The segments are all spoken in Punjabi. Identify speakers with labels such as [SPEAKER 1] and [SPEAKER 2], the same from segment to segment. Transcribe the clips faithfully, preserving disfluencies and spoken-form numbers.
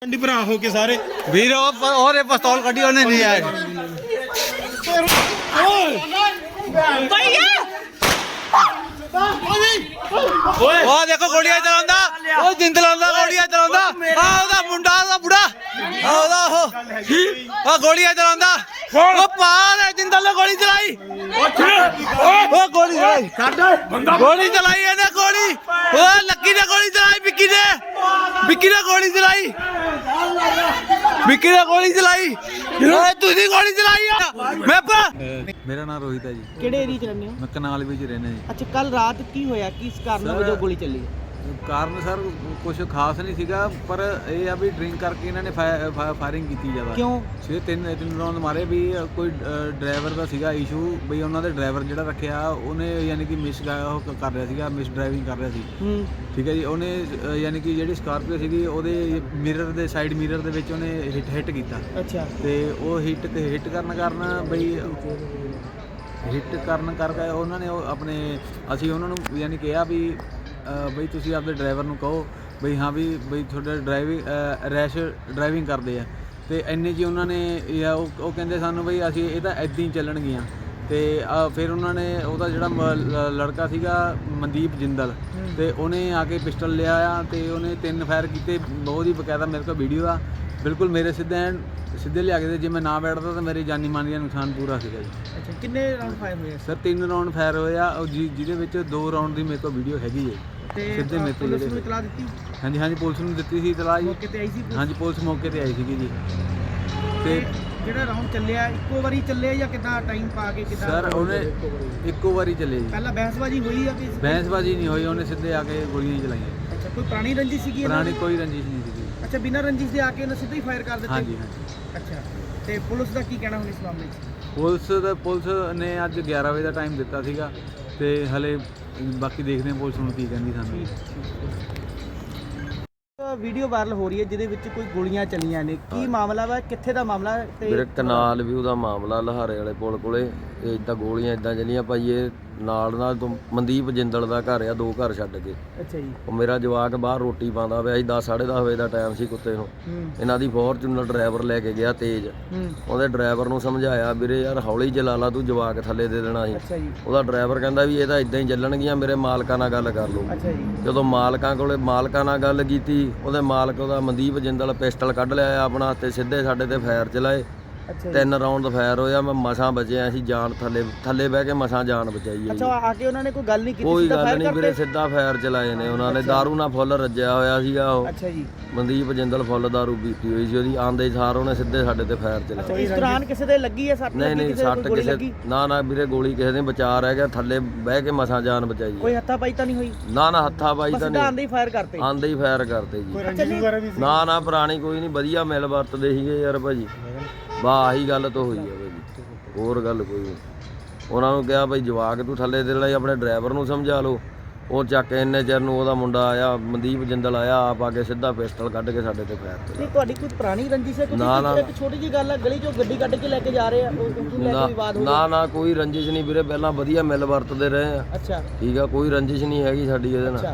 [SPEAKER 1] मंडी भरा हो के सारे
[SPEAKER 2] वीर और ये पिस्तौल कड़ी उन्हें नहीं आए ओ देखो गोलियां चलांदा ओ जिंद लांदा गोलियां चलांदा आ ओदा मुंडा ओदा बुढ़ा आ ओदा हो आ गोलियां चलांदा ओ पार है जिंदल ने गोली चलाई ओ गोली चलाई गोली चलाई ਇਹਨੇ गोली ओ लक्की ने गोली चलाई विक्की ने विक्की ने गोली चलाई विक्की ने गोली चलाई ਓਏ ਤੁਸੀਂ ਗੋਲੀ ਚਲਾਈ ਆ ਮੈਂ ਮੇਰਾ ਨਾਮ ਰੋਹਿਤ ਹੈ ਜੀ।
[SPEAKER 3] ਕਿਹੜੇ ਏਰੀਆ ਚ ਰਹਿੰਦੇ ਹੋ?
[SPEAKER 2] ਮੈਂ ਕਨਾਲ ਵਿੱਚ ਰਹਿੰਦਾ ਜੀ।
[SPEAKER 3] ਅੱਛਾ, ਕੱਲ ਰਾਤ ਕੀ ਹੋਇਆ, ਕਿਸ ਕਾਰਨ ਵਜੋਂ ਗੋਲੀ ਚੱਲੀ?
[SPEAKER 2] ਕਾਰਨ ਸਰ ਕੁਝ ਖਾਸ ਨਹੀਂ ਸੀਗਾ, ਪਰ ਇਹ ਆ ਵੀ ਡਰਿੰਕ ਕਰਕੇ ਇਹਨਾਂ ਨੇ ਫਾਇਰਿੰਗ ਕੀਤੀ ਜ਼ਿਆਦਾ।
[SPEAKER 3] ਕਿਉਂ?
[SPEAKER 2] ਛੇ ਤਿੰਨ ਤਿੰਨ ਰੌਂਦ ਮਾਰੇ ਵੀ ਕੋਈ ਡਰਾਈਵਰ ਦਾ ਸੀਗਾ ਇਸ਼ੂ, ਬਈ ਉਹਨਾਂ ਦੇ ਡਰਾਈਵਰ ਜਿਹੜਾ ਰੱਖਿਆ ਉਹਨੇ ਯਾਨੀ ਕਿ ਮਿਸ ਉਹ ਕਰ ਰਿਹਾ ਸੀਗਾ, ਮਿਸ ਡਰਾਈਵਿੰਗ ਕਰ ਰਿਹਾ ਸੀ।
[SPEAKER 3] ਹੂੰ
[SPEAKER 2] ਠੀਕ ਹੈ ਜੀ। ਉਹਨੇ ਯਾਨੀ ਕਿ ਜਿਹੜੀ ਸਕਾਰਪੀਓ ਸੀਗੀ ਉਹਦੇ ਮਿਰਰ ਦੇ ਸਾਈਡ ਮਿਰਰ ਦੇ ਵਿੱਚ ਉਹਨੇ ਹਿੱਟ ਹਿੱਟ ਕੀਤਾ।
[SPEAKER 3] ਅੱਛਾ।
[SPEAKER 2] ਤੇ ਉਹ ਹਿੱਟ ਹਿੱਟ ਕਰਨ ਕਾਰਨ ਬਈ ਹਿੱਟ ਕਰਨ ਕਰਕੇ ਉਹਨਾਂ ਨੇ ਉਹ ਆਪਣੇ ਅਸੀਂ ਉਹਨਾਂ ਨੂੰ ਯਾਨੀ ਕਿਹਾ ਵੀ ਬਈ ਤੁਸੀਂ ਆਪਣੇ ਡਰਾਈਵਰ ਨੂੰ ਕਹੋ ਬਈ ਹਾਂ ਵੀ ਬਈ ਤੁਹਾਡਾ ਡਰਾਈਵਿੰਗ ਰੈਸ਼ ਡਰਾਈਵਿੰਗ ਕਰਦੇ ਆ। ਤੇ ਇੰਨੇ 'ਚ ਹੀ ਉਹਨਾਂ ਨੇ ਜਾਂ ਉਹ ਉਹ ਕਹਿੰਦੇ ਸਾਨੂੰ ਬਈ ਅਸੀਂ ਇਹ ਤਾਂ ਇੱਦਾਂ ਹੀ ਚੱਲਣਗੀਆਂ। ਤੇ ਫਿਰ ਉਹਨਾਂ ਨੇ ਉਹਦਾ ਜਿਹੜਾ ਲੜਕਾ ਸੀਗਾ ਮਨਦੀਪ ਜਿੰਦਲ, ਤੇ ਉਹਨੇ ਆ ਕੇ ਪਿਸਟਲ ਲਿਆ ਆ ਤੇ ਉਹਨੇ ਤਿੰਨ ਫਾਇਰ ਕੀਤੇ। ਬਹੁਤ ਹੀ ਬਕਾਇਦਾ ਮੇਰੇ ਕੋਲ ਵੀਡੀਓ ਆ, ਬਿਲਕੁਲ ਮੇਰੇ ਸਿੱਧੇ ਸਿੱਧੇ ਲਿਆ ਕੇ, ਜੇ ਮੈਂ ਨਾ ਬੈਠਦਾ ਤਾਂ ਮੇਰੇ ਜਾਨੀ ਮਾਨੀ ਦਾ ਨੁਕਸਾਨ ਪੂਰਾ ਸੀਗਾ ਜੀ।
[SPEAKER 3] ਅੱਛਾ, ਕਿੰਨੇ ਰਾਉਂਡ ਫਾਇਰ ਹੋਏ
[SPEAKER 2] ਸਰ? ਤਿੰਨ ਰਾਉਂਡ ਫਾਇਰ ਹੋਏ ਆ, ਜਿਹਦੇ ਵਿੱਚ ਦੋ ਰਾਉਂਡ ਦੀ ਮੇਰੇ ਕੋਲ ਵੀਡੀਓ ਹੈਗੀ ਹੈ।
[SPEAKER 3] ਤੇ
[SPEAKER 2] ਸਿੱਧੇ ਮੇਰੇ ਤੋਂ
[SPEAKER 3] ਪੁਲਿਸ ਨੂੰ ਇਤਲਾਹ ਦਿੱਤੀ?
[SPEAKER 2] ਹਾਂਜੀ ਹਾਂਜੀ, ਪੁਲਿਸ ਨੂੰ ਦਿੱਤੀ ਸੀ ਇਤਲਾਹ ਜੀ।
[SPEAKER 3] ਮੌਕੇ ਤੇ ਆਈ ਸੀ?
[SPEAKER 2] ਹਾਂਜੀ, ਪੁਲਿਸ ਮੌਕੇ ਤੇ ਆਈ ਸੀਗੀ ਜੀ। ਤੇ
[SPEAKER 3] ਜਿਹੜਾ ਰਾਉਂਡ ਚੱਲਿਆ ਇੱਕੋ ਵਾਰੀ ਚੱਲਿਆ ਜਾਂ ਕਿੱਦਾਂ ਟਾਈਮ ਪਾ ਕੇ ਕਿੱਦਾਂ?
[SPEAKER 2] ਸਰ ਉਹਨੇ ਇੱਕੋ ਵਾਰੀ ਚੱਲੇ ਜੀ।
[SPEAKER 3] ਪਹਿਲਾਂ ਬਹਿਸਬਾਜ਼ੀ ਹੋਈ ਆ?
[SPEAKER 2] ਬਹਿਸਬਾਜ਼ੀ ਨਹੀਂ ਹੋਈ, ਉਹਨੇ ਸਿੱਧੇ ਆ ਕੇ ਗੋਲੀਆਂ ਹੀ ਚਲਾਈਆਂ।
[SPEAKER 3] ਅੱਛਾ, ਕੋਈ ਪੁਰਾਣੀ ਰੰਜਿਸ਼ ਸੀਗੀ?
[SPEAKER 2] ਪੁਰਾਣੀ ਕੋਈ ਰੰਜਿਸ਼ ਨਹੀਂ ਸੀਗੀ।
[SPEAKER 3] ਅੱਛਾ, ਬਿਨਾਂ ਰੰਜਿਸ਼ ਦੇ ਆ ਕੇ ਉਹਨੇ ਸਿੱਧਾ ਹੀ ਫਾਇਰ ਕਰ ਦਿੱਤੇ?
[SPEAKER 2] ਹਾਂਜੀ ਹਾਂਜੀ।
[SPEAKER 3] ਅੱਛਾ, ਤੇ ਪੁਲਿਸ ਦਾ ਕੀ ਕਹਿਣਾ ਹੁਣ ਇਸ ਮਾਮਲੇ 'ਚ?
[SPEAKER 2] ਪੁਲਿਸ ਦਾ ਪੁਲਿਸ ਨੇ ਅੱਜ ਗਿਆਰਾਂ ਵਜੇ ਦਾ ਟਾਈਮ ਦਿੱਤਾ ਸੀਗਾ, ਤੇ ਹਲੇ ਬਾਕੀ ਦੇਖਦੇ ਹਾਂ ਪੁਲਿਸ ਹੁਣ ਕੀ ਕਹਿੰਦੀ ਸਾਨੂੰ।
[SPEAKER 3] ਵੀਡੀਓ ਵਾਇਰਲ ਹੋ ਰਹੀ ਹੈ ਜਿਹਦੇ ਵਿੱਚ ਕੋਈ ਗੋਲੀਆਂ ਚੱਲੀਆਂ ਨੇ, ਕੀ ਮਾਮਲਾ ਵਾ, ਕਿੱਥੇ ਦਾ ਮਾਮਲਾ? ਤੇ
[SPEAKER 4] ਮੇਰੇ ਕਨਾਲ ਵੀ ਉਹਦਾ ਮਾਮਲਾ ਲਹਾਰੇ ਵਾਲੇ ਪੁਲ ਕੋਲੇ ਇਹ ਇਦਾਂ ਗੋਲੀਆਂ ਇਦਾਂ ਚੱਲੀਆਂ ਭਾਈ। ਇਹ ਨਾਲ ਨਾਲ ਤੋਂ ਮਨਦੀਪ ਜਿੰਦਲ ਦਾ ਘਰ ਆ, ਦੋ ਘਰ ਛੱਡ ਕੇ।
[SPEAKER 3] ਅੱਛਾ ਜੀ।
[SPEAKER 4] ਉਹ ਮੇਰਾ ਜਵਾਕ ਬਾਹਰ ਰੋਟੀ ਪਾਉਂਦਾ ਪਿਆ ਸੀ, ਦਸ ਸਾਢੇ ਦਸ ਵਜੇ ਦਾ ਟਾਈਮ ਸੀ। ਕੁੱਤੇ ਨੂੰ ਇਹਨਾਂ ਦੀ ਫੋਰਚੂਨਰ ਡਰਾਈਵਰ ਲੈ ਕੇ ਗਿਆ ਤੇਜ਼। ਉਹਦੇ ਡਰਾਈਵਰ ਨੂੰ ਸਮਝਾਇਆ ਵੀਰੇ ਯਾਰ ਹੌਲੀ ਚਲਾ ਲਾ, ਤੂੰ ਜਵਾਕ ਥੱਲੇ ਦੇ ਦੇਣਾ ਸੀ।
[SPEAKER 3] ਅੱਛਾ ਜੀ।
[SPEAKER 4] ਉਹਦਾ ਡਰਾਈਵਰ ਕਹਿੰਦਾ ਵੀ ਇਹ ਤਾਂ ਇਦਾਂ ਹੀ ਚੱਲਣਗੀਆਂ, ਮੇਰੇ ਮਾਲਕਾਂ ਨਾਲ ਗੱਲ ਕਰ ਲਓ।
[SPEAKER 3] ਅੱਛਾ ਜੀ।
[SPEAKER 4] ਜਦੋਂ ਮਾਲਕਾਂ ਕੋਲੇ ਮਾਲਕਾਂ ਨਾਲ ਗੱਲ ਕੀਤੀ, ਉਹਦੇ ਮਾਲਕ ਉਹਦਾ ਮਨਦੀਪ ਜਿੰਦਲ ਪਿਸਟਲ ਕੱਢ ਲਿਆ ਆਪਣਾ ਤੇ ਸਿੱਧੇ ਸਾਡੇ ਤੇ ਫਾਇਰ ਚਲਾਏ। ਤਿੰਨ ਰਾਉਂਡ ਫਾਇਰ ਹੋਇਆ, ਮੈਂ ਮਸਾਂ ਬਚਿਆ ਸੀ, ਜਾਨ ਥੱਲੇ ਥੱਲੇ ਬਹਿ ਕੇ ਮਸਾਂ ਜਾਨ ਬਚਾਈ ਹੈ।
[SPEAKER 3] ਅੱਛਾ, ਆ ਕੇ ਉਹਨਾਂ ਨੇ ਕੋਈ ਗੱਲ ਨਹੀਂ ਕੀਤੀ?
[SPEAKER 4] ਕੋਈ ਗੱਲ ਨਹੀਂ ਵੀਰੇ, ਸਿੱਧਾ ਫਾਇਰ ਚਲਾਏ ਨੇ ਉਹਨਾਂ ਨੇ। ਦਾਰੂ ਨਾਲ ਫੁੱਲ ਰੱਜਿਆ ਹੋਇਆ ਸੀਗਾ ਉਹ।
[SPEAKER 3] ਅੱਛਾ ਜੀ।
[SPEAKER 4] ਮਨਦੀਪ ਜਿੰਦਲ ਫੁੱਲ ਦਾਰੂ ਪੀਤੀ ਹੋਈ ਸੀ ਉਹਦੀ। ਆਂਦੇ ਸਾਰ ਉਹਨੇ ਸਿੱਧੇ ਸਾਡੇ ਤੇ ਫਾਇਰ ਚਲਾਇਆ।
[SPEAKER 3] ਇਸ ਦੌਰਾਨ ਕਿਸੇ ਦੇ ਲੱਗੀ ਹੈ ਸੱਟ?
[SPEAKER 4] ਨਹੀਂ ਨਹੀਂ, ਸੱਟ ਕਿਸੇ ਨਾ ਨਾ ਵੀਰੇ, ਗੋਲੀ ਕਿਸੇ ਦੇ ਬਚਾ ਰਹਿ ਗਿਆ, ਥੱਲੇ ਬਹਿ ਕੇ ਮਸਾਂ ਜਾਨ ਬਚਾਈ।
[SPEAKER 3] ਕੋਈ ਹੱਥਾ ਪਾਈ ਤਾਂ ਨਹੀਂ ਹੋਈ?
[SPEAKER 4] ਨਾ ਨਾ, ਹੱਥਾ ਪਾਈ ਤਾਂ ਨਹੀਂ,
[SPEAKER 3] ਆਂਦੇ ਹੀ ਫਾਇਰ ਕਰਤੇ?
[SPEAKER 4] ਆਂਦੇ ਹੀ ਫਾਇਰ ਕਰਤੇ ਜੀ। ਨਾ ਨਾ, ਪੁਰਾਣੀ ਕੋਈ ਨਹੀਂ, ਵਧੀਆ ਮਿਲ ਵਰਤਦੇ ਸੀਗੇ ਯਾਰ ਭਾਜੀ। ਵਾਹ, ਆਹੀ ਗੱਲ ਤਾਂ ਹੋਈ ਆ ਭਾਜੀ, ਹੋਰ ਗੱਲ ਕੋਈ ਨਹੀਂ। ਉਹਨਾਂ ਨੂੰ ਕਿਹਾ ਭਾਈ ਜਵਾਕ ਤੂੰ ਥੱਲੇ ਦੇ ਲਈ, ਆਪਣੇ ਡਰਾਈਵਰ ਨੂੰ ਸਮਝਾ ਲਓ। ਉਹ ਚੱਕ ਕੇ ਇੰਨੇ ਚਿਰ ਨੂੰ ਉਹਦਾ ਮੁੰਡਾ ਆਇਆ, ਮਨਦੀਪ ਜਿੰਦਲ ਆਇਆ, ਆਪ ਆ ਕੇ ਸਿੱਧਾ ਪਿਸਟਲ ਕੱਢ ਕੇ ਸਾਡੇ ਤੇ ਫਾਇਰ
[SPEAKER 3] ਨਹੀਂ, ਤੁਹਾਡੀ ਕੋਈ ਪੁਰਾਣੀ ਰੰਜਿਸ਼ ਹੈ?
[SPEAKER 4] ਨਾ ਨਾ,
[SPEAKER 3] ਇੱਕ ਛੋਟੀ ਜਿਹੀ ਗੱਲ ਹੈ, ਗਲੀ ਚੋਂ ਗੱਡੀ ਕੱਢ ਕੇ ਲੈ ਕੇ ਜਾ ਰਹੇ ਆ, ਉਹ ਲੈ ਕੇ ਵਿਵਾਦ ਹੋ ਗਿਆ?
[SPEAKER 4] ਨਾ ਨਾ, ਕੋਈ ਰੰਜਿਸ਼ ਨਹੀਂ ਵੀਰੇ, ਪਹਿਲਾਂ ਵਧੀਆ ਮਿਲ ਵਰਤਦੇ ਰਹੇ ਆ।
[SPEAKER 3] ਅੱਛਾ
[SPEAKER 4] ਠੀਕ ਆ, ਕੋਈ ਰੰਜਿਸ਼ ਨਹੀਂ ਹੈਗੀ ਸਾਡੀ ਇਹਦੇ ਨਾਲ।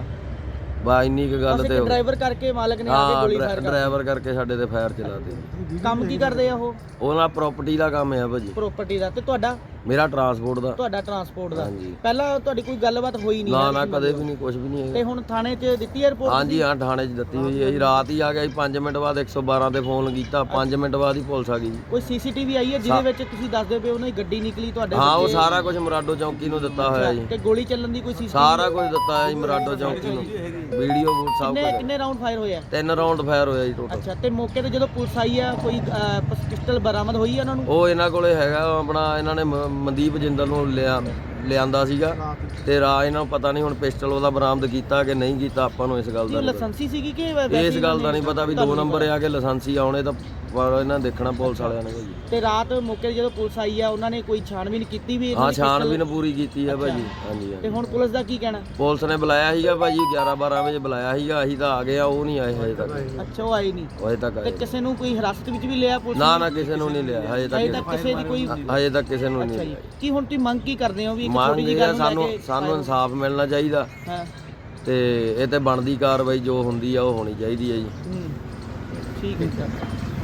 [SPEAKER 4] ਬਾ ਇੰਨੀ ਕੁ ਗੱਲ ਤੇ
[SPEAKER 3] ਡਰਾਈਵਰ ਕਰਕੇ ਮਾਲਕ ਨੇ ਆ ਕੇ ਗੋਲੀ ਫਾਇਰ ਕਰ
[SPEAKER 4] ਡਰਾਈਵਰ ਕਰਕੇ ਸਾਡੇ ਤੇ ਫਾਇਰ ਚਲਾਤੇ।
[SPEAKER 3] ਕੰਮ ਕੀ ਕਰਦੇ ਆ ਉਹ?
[SPEAKER 4] ਉਹਨਾਂ ਪ੍ਰਾਪਰਟੀ ਦਾ ਕੰਮ ਆ ਭਾਜੀ।
[SPEAKER 3] ਪ੍ਰਾਪਰਟੀ ਦਾ? ਤੇ ਤੁਹਾਡਾ?
[SPEAKER 4] ਮੇਰਾ ਟਰਾਂਸਪੋਰਟ ਦਾ।
[SPEAKER 3] ਤੁਹਾਡਾ ਟਰਾਂਸਪੋਰਟ ਦਾ?
[SPEAKER 4] ਹਾਂਜੀ।
[SPEAKER 3] ਪਹਿਲਾਂ ਤੁਹਾਡੀ ਕੋਈ ਗੱਲਬਾਤ ਹੋਈ ਨਹੀਂ?
[SPEAKER 4] ਨਾ ਨਾ, ਕਦੇ ਵੀ ਨਹੀਂ, ਕੁਝ ਵੀ ਨਹੀਂ
[SPEAKER 3] ਤੇ
[SPEAKER 4] ਹੈ।
[SPEAKER 3] ਹੁਣ ਥਾਣੇ 'ਚ ਦਿੱਤੀ ਹੈ ਰਿਪੋਰਟ?
[SPEAKER 4] ਹਾਂਜੀ ਹਾਂ, ਥਾਣੇ 'ਚ ਦਿੱਤੀ ਹੋਈ ਹੈ ਜੀ। ਰਾਤ ਹੀ ਆ ਗਿਆ ਜੀ, ਪੰਜ ਮਿੰਟ ਬਾਅਦ ਇੱਕ ਸੌ ਬਾਰਾਂ ਤੇ ਫੋਨ ਕੀਤਾ, ਪੰਜ ਮਿੰਟ ਬਾਅਦ ਹੀ ਪੁਲਿਸ ਆ ਗਈ ਜੀ।
[SPEAKER 3] ਕੋਈ ਸੀਸੀਟੀਵੀ ਆਈ ਹੈ ਜਿਹਦੇ ਵਿੱਚ ਤੁਸੀਂ ਦੱਸਦੇ ਪਏ ਉਹਨਾਂ ਦੀ ਗੱਡੀ ਨਿਕਲੀ ਤੁਹਾਡੇ?
[SPEAKER 4] ਹਾਂ, ਉਹ ਸਾਰਾ ਕੁਝ ਮਰਾਡੋ ਚੌਂਕੀ ਨੂੰ ਦਿੱਤਾ ਹੋਇਆ ਜੀ।
[SPEAKER 3] ਤੇ ਗੋਲੀ ਚੱਲਣ ਦੀ ਕੋਈ ਸੀਸੀਟੀਵੀ?
[SPEAKER 4] ਸਾਰਾ ਕੁਝ ਦਿੱਤਾ ਹੈ ਜੀ ਮਰਾਡੋ ਚੌਂਕੀ ਨੂੰ, ਵੀਡੀਓ ਸਭ
[SPEAKER 3] ਕਿੰਨੇ
[SPEAKER 4] ਕੁਝ।
[SPEAKER 3] ਕਿੰਨੇ ਰਾਉਂਡ ਫਾਇਰ ਹੋਏ ਆ?
[SPEAKER 4] ਤਿੰਨ ਰਾਉਂਡ ਫਾਇਰ ਹੋਇਆ ਜੀ ਟੋਟਲ।
[SPEAKER 3] ਅੱਛਾ, ਤੇ ਮੌਕੇ ਤੇ ਜਦੋਂ ਪੁਲਿਸ ਆਈ ਆ ਕੋਈ ਪਿਸਟਲ ਬਰਾਮਦ ਹੋਈ ਆ ਉਹਨਾਂ ਨੂੰ?
[SPEAKER 4] ਉਹ ਇਹਨਾਂ ਕੋਲੇ ਹੈਗਾ ਆਪਣਾ, ਇਹਨਾਂ ਨੇ ਮ- ਮਨਦੀਪ ਜਿੰਦਲ ਨੂੰ ਲਿਆ ਲਿਆਂਦਾ ਸੀਗਾ, ਤੇ ਰਾ ਇਹਨਾਂ ਨੂੰ ਪਤਾ ਨਹੀਂ ਹੁਣ ਪਿਸਟਲ ਉਹਦਾ ਬਰਾਮਦ ਕੀਤਾ ਕਿ ਨਹੀਂ ਕੀਤਾ, ਆਪਾਂ ਨੂੰ ਇਸ ਗੱਲ ਦਾ ਨਹੀਂ
[SPEAKER 3] ਲਾਇਸੈਂਸੀ ਸੀਗੀ ਕਿ
[SPEAKER 4] ਪਤਾ। ਇਸ ਗੱਲ ਦਾ ਨਹੀਂ ਪਤਾ ਵੀ ਦੋ ਨੰਬਰ ਆ ਕੇ ਲਾਇਸੈਂਸੀ ਆਉਣੇ ਤਾਂ ਪਰ ਇਹਨਾਂ ਦੇਖਣਾ ਪੁਲਿਸ ਵਾਲਿਆਂ ਨੇ ਭਾਜੀ।
[SPEAKER 3] ਤੇ ਰਾਤ ਮੌਕੇ ਤੇ ਜਦੋਂ ਪੁਲਿਸ ਆਈ ਆ ਉਹਨਾਂ ਨੇ ਕੋਈ ਛਾਣਬੀਨ ਕੀਤੀ ਵੀ?
[SPEAKER 4] ਹਾਂ, ਛਾਣਬੀਨ ਪੂਰੀ ਕੀਤੀ ਆ ਭਾਜੀ। ਹਾਂਜੀ
[SPEAKER 3] ਤੇ ਹੁਣ ਪੁਲਿਸ ਦਾ ਕੀ ਕਹਿਣਾ?
[SPEAKER 4] ਪੁਲਿਸ ਨੇ ਬੁਲਾਇਆ ਸੀਗਾ ਭਾਜੀ, ਗਿਆਰਾਂ ਬਾਰਾਂ ਵਜੇ ਬੁਲਾਇਆ ਸੀਗਾ, ਅਸੀਂ ਤਾਂ ਆ ਗਏ ਆ, ਉਹ ਨਹੀਂ ਆਏ ਹਜੇ ਤੱਕ।
[SPEAKER 3] ਅੱਛਾ, ਉਹ ਆਏ ਨਹੀਂ
[SPEAKER 4] ਹਜੇ ਤੱਕ
[SPEAKER 3] ਤੇ
[SPEAKER 4] ਆਏ
[SPEAKER 3] ਕਿਸੇ ਨੂੰ ਕੋਈ ਹਿਰਾਸਤ ਵਿੱਚ ਵੀ ਲਿਆ ਪੁਲਿਸ?
[SPEAKER 4] ਨਾ ਨਾ, ਕਿਸੇ ਨੂੰ ਨਹੀਂ ਲਿਆ ਹਜੇ
[SPEAKER 3] ਹਜੇ ਤੱਕ ਕਿਸੇ ਦੀ ਕੋਈ?
[SPEAKER 4] ਤੱਕ ਹਜੇ ਤੱਕ ਕਿਸੇ ਨੂੰ ਨਹੀਂ
[SPEAKER 3] ਅੱਛਾ ਜੀ।
[SPEAKER 4] ਲਿਆ।
[SPEAKER 3] ਕੀ ਹੁਣ ਤੁਸੀਂ ਮੰਗ ਕੀ ਕਰਦੇ ਹੋ? ਵੀ ਇੱਕ
[SPEAKER 4] ਮੰਗ
[SPEAKER 3] ਛੋਟੀ ਜਿਹੀ
[SPEAKER 4] ਇਹ
[SPEAKER 3] ਗੱਲ
[SPEAKER 4] ਆ,
[SPEAKER 3] ਨੂੰ ਲੈ
[SPEAKER 4] ਸਾਨੂੰ
[SPEAKER 3] ਕੇ
[SPEAKER 4] ਸਾਨੂੰ ਇਨਸਾਫ ਮਿਲਣਾ ਚਾਹੀਦਾ,
[SPEAKER 3] ਹਾਂ,
[SPEAKER 4] ਤੇ ਇਹ ਤੇ ਬਣਦੀ ਕਾਰਵਾਈ ਜੋ ਹੁੰਦੀ ਆ ਉਹ ਹੋਣੀ ਚਾਹੀਦੀ ਹੈ ਜੀ।
[SPEAKER 3] ਹੂੰ। ਠੀਕ ਹੈ ਜੀ।